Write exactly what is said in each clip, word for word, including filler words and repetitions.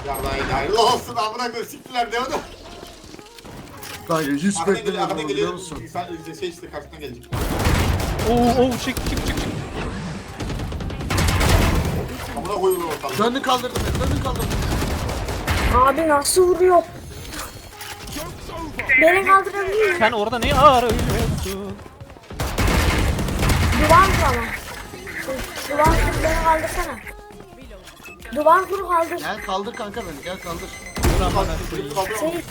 Yarlayın hayırlı olsun amına koyayım siktiler ne oldu? Kanka hiç Arkadan geliyor beklemiyordum arkadan biliyor geliyor. musun? Sen şey işte karşıdan gelecek. Oo oo çık çık çık çık. Amına koyulur ortalık. Döndü kaldırdı beni, döndü kaldırdı. Abi nasıl vuruyor? Beni kaldırabiliyor. Sen orada ne arıyorsun? Duvar kur ama. Duvar kur beni kaldırsana. Duvar kur kaldır. Gel kaldır kanka beni, gel kaldır. Seyit.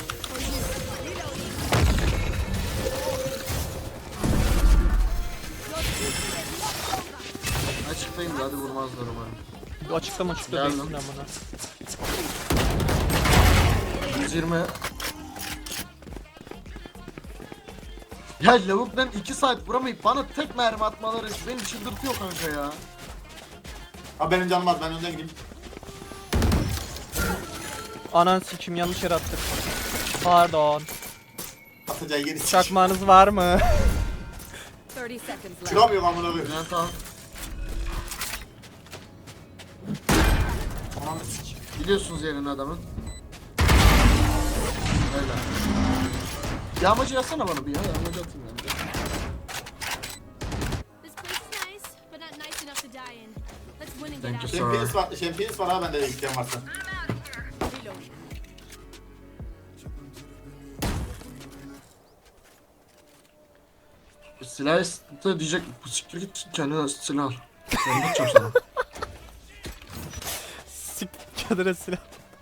Açıklayın da hadi vurmazlar umarım. Bu açıkta mı açıkta Geldim. değilsin amına. yüz yirmi. Ya lavuktan iki saat vuramayıp bana tek mermi atmaları beni çıldırtıyor kanka ya. Ha benim canım az ben önden gideyim. Anan sikim yanlış yere attık. Pardon. Atacağı yeri sik. Çakmağınız var mı? thirty seconds left. Çıkamıyorum amına koyayım. Bülent al. Ananı sik. Biliyorsunuz yerini adamın. Öyle. Yağmacı yazsana bana bir ya, yağmacı atayım ben de. This place is nice, but not nice enough to die in. Let's win and Thank get you, out. sir. Şempiyons var, şempiyons var ha bende de isteyen varsa. Reload. Silah istedi diyecek, bu siktir git kendine silah al. Sen gideceğim sana. Sik kadere silah.